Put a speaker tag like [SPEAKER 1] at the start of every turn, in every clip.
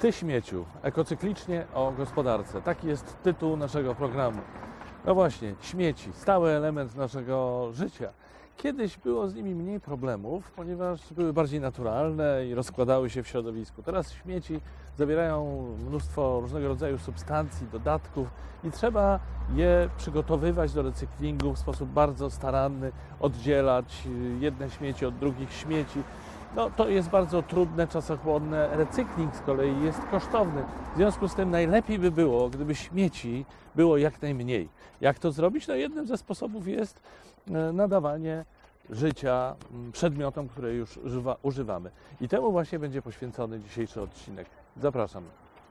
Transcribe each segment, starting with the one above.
[SPEAKER 1] Ty śmieciu, ekocyklicznie o gospodarce. Taki jest tytuł naszego programu. No właśnie, śmieci, stały element naszego życia. Kiedyś było z nimi mniej problemów, ponieważ były bardziej naturalne i rozkładały się w środowisku. Teraz śmieci zawierają mnóstwo różnego rodzaju substancji, dodatków i trzeba je przygotowywać do recyklingu w sposób bardzo staranny, oddzielać jedne śmieci od drugich śmieci. No, to jest bardzo trudne, czasochłonne. Recykling z kolei jest kosztowny. W związku z tym najlepiej by było, gdyby śmieci było jak najmniej. Jak to zrobić? No, jednym ze sposobów jest nadawanie życia przedmiotom, które już używamy. I temu właśnie będzie poświęcony dzisiejszy odcinek. Zapraszam.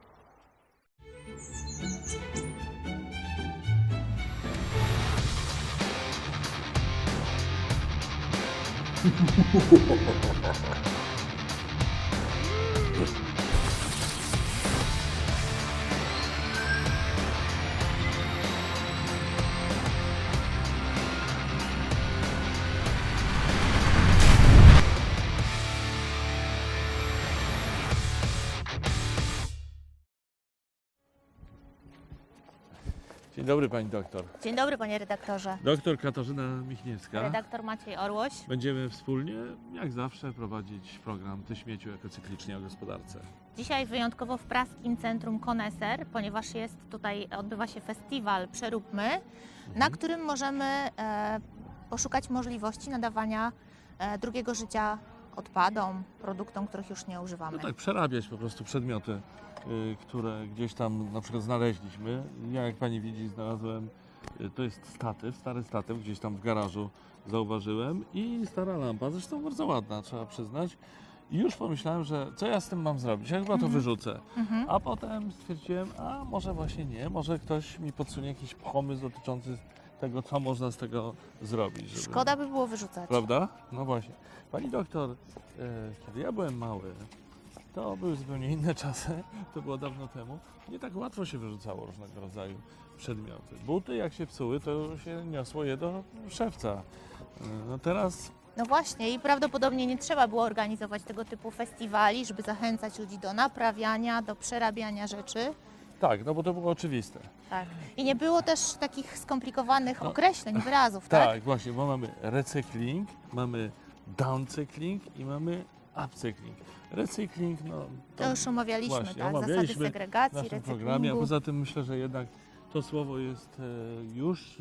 [SPEAKER 1] Dzień dobry pani doktor.
[SPEAKER 2] Dzień dobry, panie redaktorze.
[SPEAKER 1] Doktor Katarzyna Michniewska.
[SPEAKER 2] Redaktor Maciej Orłoś.
[SPEAKER 1] Będziemy wspólnie, jak zawsze, prowadzić program Ty śmieciu ekocyklicznie o gospodarce.
[SPEAKER 2] Dzisiaj wyjątkowo w Praskim Centrum Koneser, ponieważ odbywa się festiwal Przeróbmy, na którym możemy poszukać możliwości nadawania drugiego życia odpadom, produktom, których już nie używamy.
[SPEAKER 1] No tak, przerabiać po prostu przedmioty, które gdzieś tam na przykład znaleźliśmy. Ja, jak pani widzi, znalazłem, to jest statyw, stary statyw, gdzieś tam w garażu zauważyłem i stara lampa, zresztą bardzo ładna, trzeba przyznać. I już pomyślałem, że co ja z tym mam zrobić? Ja chyba to wyrzucę. A potem stwierdziłem, a może właśnie nie, może ktoś mi podsunie jakiś pomysł dotyczący tego, co można z tego zrobić. Żeby...
[SPEAKER 2] Szkoda by było wyrzucać.
[SPEAKER 1] Prawda? No właśnie. Pani doktor, kiedy ja byłem mały, to były zupełnie inne czasy, to było dawno temu. Nie tak łatwo się wyrzucało różnego rodzaju przedmioty. Buty jak się psuły, to się niosło je do szewca. No teraz...
[SPEAKER 2] No właśnie i prawdopodobnie nie trzeba było organizować tego typu festiwali, żeby zachęcać ludzi do naprawiania, do przerabiania rzeczy.
[SPEAKER 1] Tak, no bo to było oczywiste.
[SPEAKER 2] Tak. I nie było też takich skomplikowanych określeń, wyrazów, tak?
[SPEAKER 1] Tak, właśnie, bo mamy recykling, mamy downcykling i mamy upcykling. Recykling, no...
[SPEAKER 2] To już omawialiśmy,
[SPEAKER 1] właśnie,
[SPEAKER 2] tak? Zasady
[SPEAKER 1] omawialiśmy
[SPEAKER 2] segregacji,
[SPEAKER 1] w naszym
[SPEAKER 2] recyklingu.
[SPEAKER 1] programie, a poza tym myślę, że jednak to słowo jest już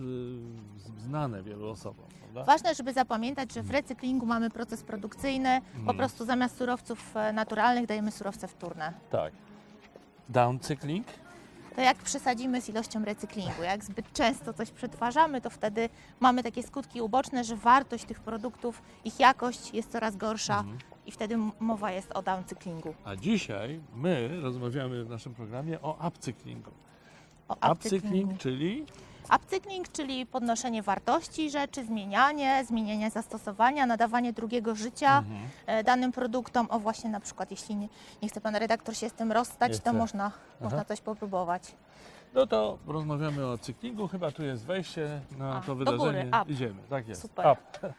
[SPEAKER 1] znane wielu osobom, prawda?
[SPEAKER 2] Ważne, żeby zapamiętać, że w recyklingu mamy proces produkcyjny, po prostu zamiast surowców naturalnych dajemy surowce wtórne.
[SPEAKER 1] Tak. Downcykling?
[SPEAKER 2] To jak przesadzimy z ilością recyklingu, jak zbyt często coś przetwarzamy, to wtedy mamy takie skutki uboczne, że wartość tych produktów, ich jakość jest coraz gorsza i wtedy mowa jest o downcyklingu.
[SPEAKER 1] A dzisiaj my rozmawiamy w naszym programie o upcyklingu.
[SPEAKER 2] O
[SPEAKER 1] Upcykling, czyli?
[SPEAKER 2] Upcykling, czyli podnoszenie wartości rzeczy, zmienianie zastosowania, nadawanie drugiego życia danym produktom. O właśnie na przykład, jeśli nie chce pan redaktor się z tym rozstać,
[SPEAKER 1] Nie
[SPEAKER 2] to
[SPEAKER 1] chcę.
[SPEAKER 2] można coś popróbować.
[SPEAKER 1] No to rozmawiamy o cyklingu. Chyba tu jest wejście na to
[SPEAKER 2] do
[SPEAKER 1] wydarzenie.
[SPEAKER 2] góry, up.
[SPEAKER 1] Idziemy, tak jest.
[SPEAKER 2] Super.
[SPEAKER 1] Up.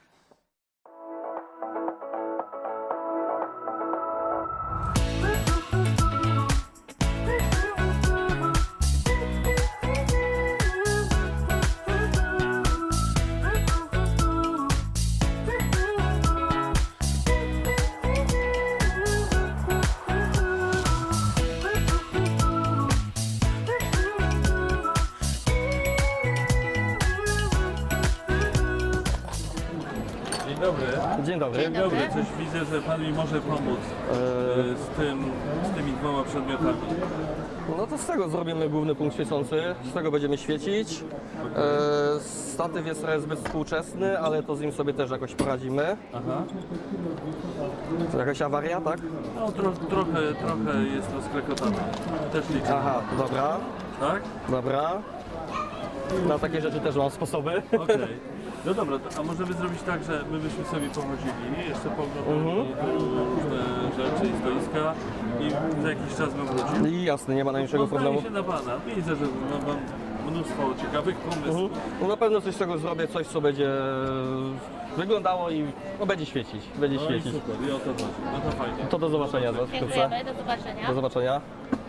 [SPEAKER 1] Dzień dobry.
[SPEAKER 3] Dzień dobry.
[SPEAKER 2] Dzień dobry.
[SPEAKER 1] Coś widzę, że pan mi może pomóc z tymi dwoma przedmiotami.
[SPEAKER 3] No to z tego zrobimy główny punkt świecący, z tego będziemy świecić. Statyw jest trochę zbyt współczesny, ale to z nim sobie też jakoś poradzimy.
[SPEAKER 1] Aha.
[SPEAKER 3] To jakaś awaria, tak?
[SPEAKER 1] No trochę jest rozklekotany. Też liczę.
[SPEAKER 3] Aha, dobra,
[SPEAKER 1] Tak?
[SPEAKER 3] dobra. Na takie rzeczy też mam sposoby.
[SPEAKER 1] Okej. No dobra, a możemy zrobić tak, że my byśmy sobie pochodzili, jeszcze pooglądali różne rzeczy i stoiska i za jakiś czas bym wrócił.
[SPEAKER 3] I jasne, nie ma najmniejszego
[SPEAKER 1] Zdaje
[SPEAKER 3] problemu.
[SPEAKER 1] się na pana. Widzę, że ma pan mnóstwo ciekawych pomysłów.
[SPEAKER 3] No na pewno coś z tego zrobię, coś co będzie wyglądało i no, będzie świecić. Będzie
[SPEAKER 1] No i
[SPEAKER 3] świecić.
[SPEAKER 1] super, i o to chodzi. No to fajnie.
[SPEAKER 3] To do zobaczenia za wkrótce.
[SPEAKER 2] Dziękujemy, do zobaczenia.
[SPEAKER 3] Do zobaczenia.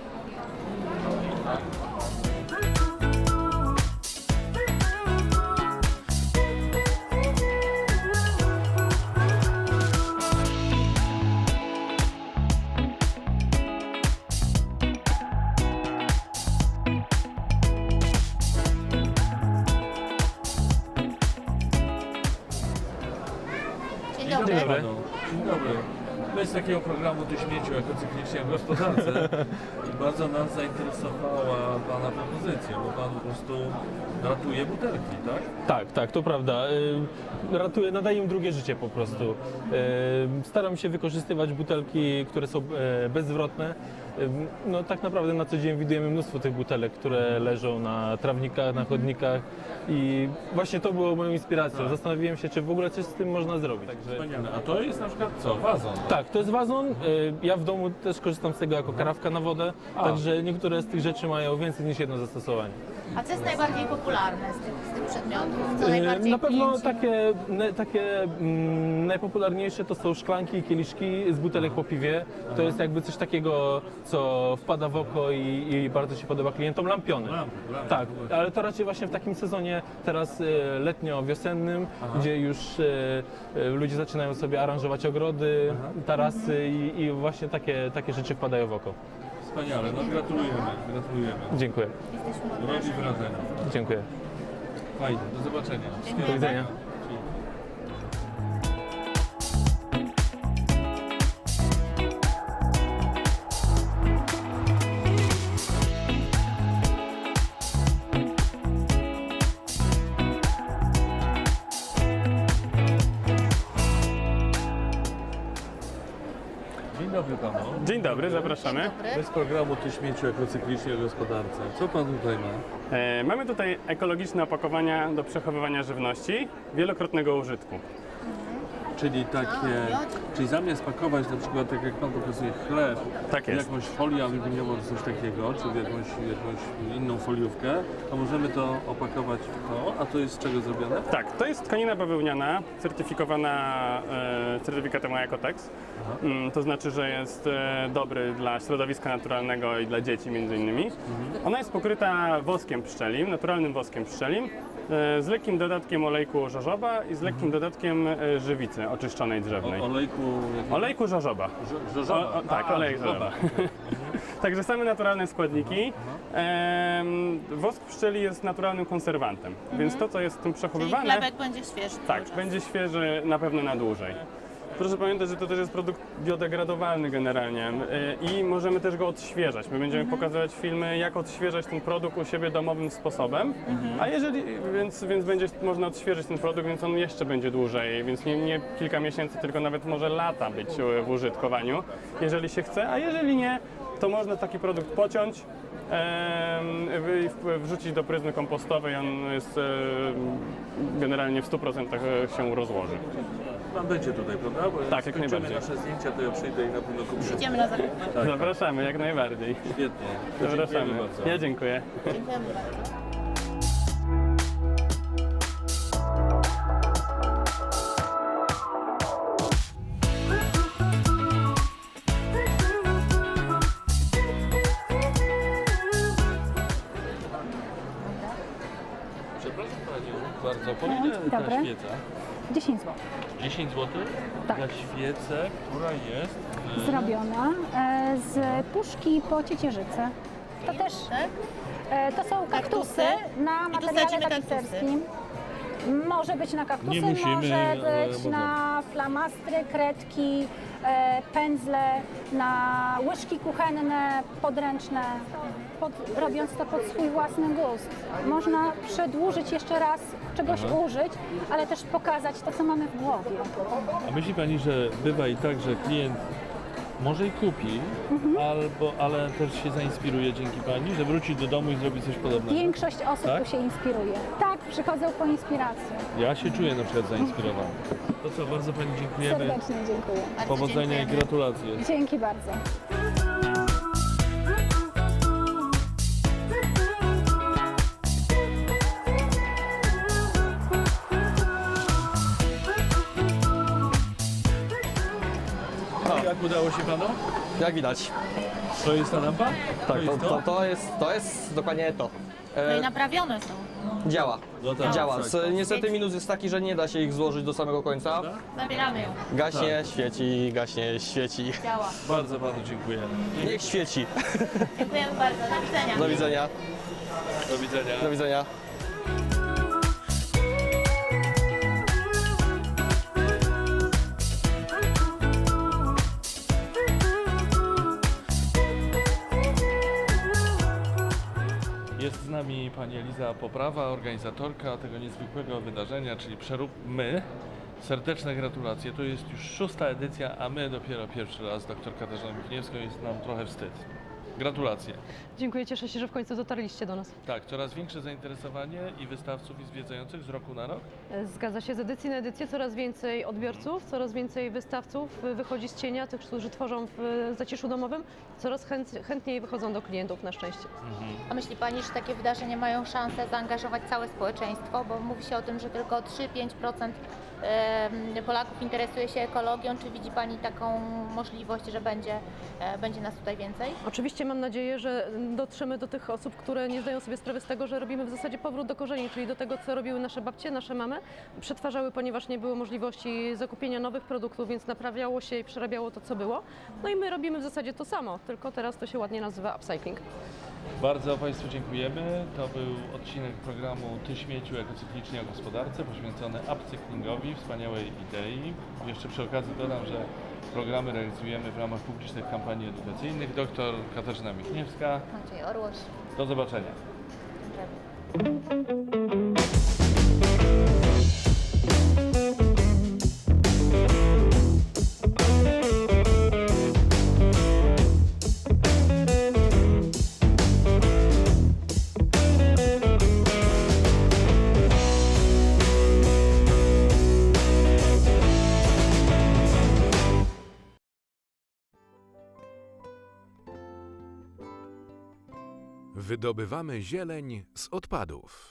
[SPEAKER 2] Dzień dobry.
[SPEAKER 1] Panu. Dzień dobry. My z takiego programu Do śmieciu jako cyklicznie w gospodarce i bardzo nas zainteresowała Pana propozycja, bo Pan po prostu ratuje butelki, tak?
[SPEAKER 4] Tak, to prawda. Ratuję, nadaję im drugie życie po prostu. Staram się wykorzystywać butelki, które są bezzwrotne. No tak naprawdę na co dzień widujemy mnóstwo tych butelek, które leżą na trawnikach, na chodnikach i właśnie to było moją inspiracją. Zastanowiłem się, czy w ogóle coś z tym można zrobić. Także...
[SPEAKER 1] Wspaniale. A to jest na przykład co? Wazon?
[SPEAKER 4] Tak, to jest wazon. Ja w domu też korzystam z tego jako karawka na wodę, także niektóre z tych rzeczy mają więcej niż jedno zastosowanie.
[SPEAKER 2] A co jest najbardziej popularne z tych przedmiotów? Co najbardziej
[SPEAKER 4] Na pewno
[SPEAKER 2] klienci-
[SPEAKER 4] takie najpopularniejsze to są szklanki i kieliszki z butelek po piwie. To jest jakby coś takiego, co wpada w oko i bardzo się podoba klientom. Lampiony.
[SPEAKER 1] Lampy,
[SPEAKER 4] Tak, ale to raczej właśnie w takim sezonie teraz letnio-wiosennym, gdzie już ludzie zaczynają sobie aranżować ogrody, tarasy i właśnie takie rzeczy wpadają w oko.
[SPEAKER 1] Wspaniale, no gratulujemy, gratulujemy.
[SPEAKER 4] Dziękuję.
[SPEAKER 1] Robi wrażenie.
[SPEAKER 4] Dziękuję.
[SPEAKER 1] Fajnie, do zobaczenia.
[SPEAKER 4] Do widzenia.
[SPEAKER 1] Dzień dobry Panu.
[SPEAKER 5] Dzień dobry, zapraszamy.
[SPEAKER 1] My z programu Do śmieciu jako cyklicznie w gospodarce. Co Pan tutaj ma?
[SPEAKER 5] Mamy tutaj ekologiczne opakowania do przechowywania żywności wielokrotnego użytku.
[SPEAKER 1] Czyli czyli zamiast pakować na przykład, tak jak Pan pokazuje, chleb
[SPEAKER 5] Tak
[SPEAKER 1] w
[SPEAKER 5] jest.
[SPEAKER 1] jakąś folię aluminiową czy coś takiego, czy w jakąś inną foliówkę, to możemy to opakować w to, a to jest z czego zrobione?
[SPEAKER 5] Tak, to jest tkanina bawełniana, certyfikowana certyfikatem Ecotex. To znaczy, że jest dobry dla środowiska naturalnego i dla dzieci między innymi. Ona jest pokryta woskiem pszczelim, naturalnym woskiem pszczelim, z lekkim dodatkiem olejku żożoba i z lekkim dodatkiem żywicy oczyszczonej drzewnej. Olejku żożoba.
[SPEAKER 1] Żożoba.
[SPEAKER 5] Tak, olejek żożoba. Także same naturalne składniki. Wosk pszczeli jest naturalnym konserwantem, więc to, co jest w tym
[SPEAKER 2] Czyli
[SPEAKER 5] przechowywane,
[SPEAKER 2] chlebek będzie świeży.
[SPEAKER 5] tak, będzie świeży na pewno na dłużej. Proszę pamiętać, że to też jest produkt biodegradowalny generalnie i możemy też go odświeżać. My będziemy pokazywać filmy, jak odświeżać ten produkt u siebie domowym sposobem, a więc będzie można odświeżyć ten produkt, więc on jeszcze będzie dłużej, więc nie kilka miesięcy, tylko nawet może lata być w użytkowaniu, jeżeli się chce, a jeżeli nie, to można taki produkt pociąć, wrzucić do pryzmy kompostowej, on jest generalnie w 100% się rozłoży.
[SPEAKER 1] Pan będzie tutaj, prawda? Bo
[SPEAKER 5] Tak, jak
[SPEAKER 1] skończymy
[SPEAKER 5] najbardziej.
[SPEAKER 1] nasze zdjęcia, to ja przyjdę i na pewno kupię.
[SPEAKER 2] Idziemy na zakupy.
[SPEAKER 1] Tak.
[SPEAKER 5] Zapraszamy, jak najbardziej.
[SPEAKER 1] Świetnie. To
[SPEAKER 5] Zapraszamy.
[SPEAKER 1] dziękujemy bardzo.
[SPEAKER 5] Ja dziękuję.
[SPEAKER 2] Dziękujemy bardzo.
[SPEAKER 1] Przepraszam Panią bardzo, po ile ta
[SPEAKER 6] dobry.
[SPEAKER 1] świeca?
[SPEAKER 6] 10 zł.
[SPEAKER 1] 10 zł?
[SPEAKER 6] Tak.
[SPEAKER 1] Za świecę, która jest...
[SPEAKER 6] Zrobiona z puszki po ciecierzycy. To też to są kaktusy na
[SPEAKER 2] I tu
[SPEAKER 6] materiale
[SPEAKER 2] sadzimy
[SPEAKER 6] tapicerskim. Może być na kaktusy,
[SPEAKER 1] Nie musimy,
[SPEAKER 6] może
[SPEAKER 1] ale
[SPEAKER 6] być
[SPEAKER 1] możemy.
[SPEAKER 6] na flamastry, kredki, pędzle, na łyżki kuchenne, podręczne, robiąc to pod swój własny gust. Można przedłużyć jeszcze raz, czegoś użyć, ale też pokazać to, co mamy w głowie.
[SPEAKER 1] A myśli Pani, że bywa i tak, że klient może i kupi, ale też się zainspiruje dzięki Pani, że wróci do domu i zrobi coś podobnego?
[SPEAKER 6] Większość osób
[SPEAKER 1] Tak?
[SPEAKER 6] tu się inspiruje. Tak, przychodzą po inspirację.
[SPEAKER 1] Ja się czuję na przykład zainspirowany. To co, bardzo Pani dziękujemy.
[SPEAKER 6] Serdecznie dziękuję.
[SPEAKER 2] Bardzo
[SPEAKER 1] Powodzenia i
[SPEAKER 2] dziękujemy.
[SPEAKER 1] gratulacje.
[SPEAKER 6] Dzięki bardzo.
[SPEAKER 1] Udało się panu?
[SPEAKER 3] Jak widać.
[SPEAKER 1] To jest ta lampa?
[SPEAKER 3] Tak,
[SPEAKER 1] jest
[SPEAKER 3] to jest dokładnie to.
[SPEAKER 2] No i naprawione są.
[SPEAKER 3] Działa.
[SPEAKER 1] No tak,
[SPEAKER 3] Działa.
[SPEAKER 1] tak.
[SPEAKER 3] Niestety minus jest taki, że nie da się ich złożyć do samego końca.
[SPEAKER 2] Zabieramy ją.
[SPEAKER 3] Gaśnie, świeci, świeci.
[SPEAKER 2] Działa.
[SPEAKER 1] Bardzo panu dziękuję.
[SPEAKER 3] Niech świeci.
[SPEAKER 2] Dziękujemy bardzo. Do widzenia.
[SPEAKER 3] Do widzenia.
[SPEAKER 1] Do widzenia.
[SPEAKER 3] Do widzenia.
[SPEAKER 1] Jest z nami pani Eliza Poprawa, organizatorka tego niezwykłego wydarzenia, czyli Przeróbmy. Serdeczne gratulacje. To jest już 6. edycja, a my dopiero pierwszy raz. Doktor Katarzyna Michniewska, jest nam trochę wstyd. Gratulacje.
[SPEAKER 7] Dziękuję, cieszę się, że w końcu dotarliście do nas.
[SPEAKER 1] Tak, coraz większe zainteresowanie i wystawców, i zwiedzających z roku na rok.
[SPEAKER 7] Zgadza się, z edycji na edycję coraz więcej odbiorców, coraz więcej wystawców wychodzi z cienia, tych, którzy tworzą w zaciszu domowym, coraz chętniej wychodzą do klientów na szczęście.
[SPEAKER 2] A myśli Pani, że takie wydarzenia mają szansę zaangażować całe społeczeństwo? Bo mówi się o tym, że tylko 3-5% Polaków interesuje się ekologią. Czy widzi Pani taką możliwość, że będzie nas tutaj więcej?
[SPEAKER 7] Oczywiście mam nadzieję, że dotrzemy do tych osób, które nie zdają sobie sprawy z tego, że robimy w zasadzie powrót do korzeni, czyli do tego, co robiły nasze babcie, nasze mamy. Przetwarzały, ponieważ nie było możliwości zakupienia nowych produktów, więc naprawiało się i przerabiało to, co było. No i my robimy w zasadzie to samo, tylko teraz to się ładnie nazywa upcycling.
[SPEAKER 1] Bardzo Państwu dziękujemy. To był odcinek programu Ty śmieciu ekocyklicznie o gospodarce poświęcony upcyklingowi, wspaniałej idei. Jeszcze przy okazji dodam, że programy realizujemy w ramach publicznych kampanii edukacyjnych. Doktor Katarzyna Michniewska.
[SPEAKER 2] Maciej Orłoś.
[SPEAKER 1] Do zobaczenia.
[SPEAKER 8] Wydobywamy zieleń z odpadów.